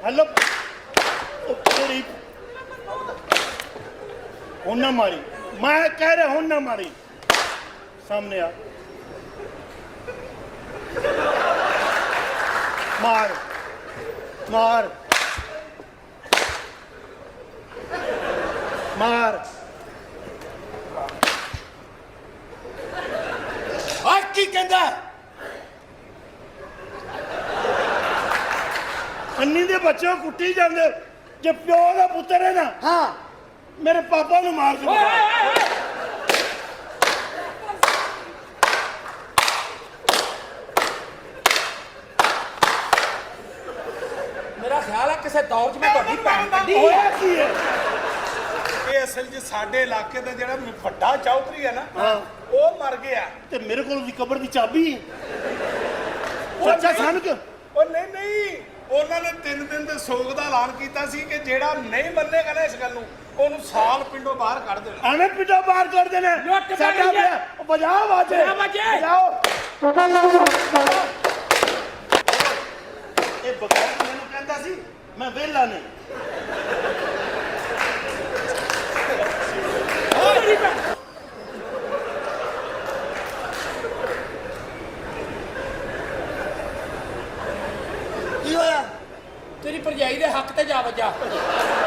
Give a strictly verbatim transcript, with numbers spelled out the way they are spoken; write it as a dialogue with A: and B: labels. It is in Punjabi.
A: हेलो तेरी हुन ना मारी, मैं कह रहा हुन ना मारी। सामने आ, मार मार मार। आज की कहता अन्नी दे बच्चे कुट्टी जाते जे प्यो का पुत्र है ना। हाँ मेरे पापा ने मार दिया।
B: मेरा ख्याल है किसी दौर च मैं ਤੁਹਾਡੀ ਭੈਣ ਕੱਢੀ
A: ਹੋਇਆ ਕੀ ਹੈ
C: ਇਹ ਅਸਲ 'ਚ ਸਾਡੇ ਇਲਾਕੇ ਦਾ ਜਿਹੜਾ ਵੱਡਾ ਚੌਧਰੀ ਹੈ ਨਾ ਉਹ ਮਰ ਗਿਆ
A: ਤੇ ਮੇਰੇ ਕੋਲ ਵੀ ਕਬਰ ਦੀ ਚਾਬੀ ਹੈ। ਚਾਚਾ ਸਾਨੂੰ ਕਿ
C: ਉਹ ਨਹੀਂ ਨਹੀਂ ਉਹਨਾਂ ਨੇ ਤਿੰਨ ਦਿਨ ਦੇ ਸੋਗ ਦਾ ਐਲਾਨ ਕੀਤਾ ਸੀ ਕਿ ਜਿਹੜਾ ਨਹੀਂ ਮੰਨੇਗਾ ਨਾ ਇਸ ਗੱਲ ਨੂੰ ਉਹਨੂੰ ਸਾਲ ਪਿੰਡੋਂ ਬਾਹਰ ਕੱਢ ਦੇਣਾ।
A: ਐਵੇਂ ਪਿੱਟੋ ਬਾਹਰ ਕਰ ਦੇਣਾ ਸਾਡਾ ਵਿਆਹ ਬਜਾਓ ਬਾਜੇ ਬਜਾਓ। ਇਹ ਬਗੈਰ ਮੈਨੂੰ ਕਹਿੰਦਾ ਸੀ ਮੈਂ ਵਿਹਲਾ ਨਹੀਂ।
B: ਕੀ ਹੋਇਆ? ਤੇਰੀ ਭਰਜਾਈ ਦੇ ਹੱਕ ਤੇ ਜਾ ਵੱਜਾ।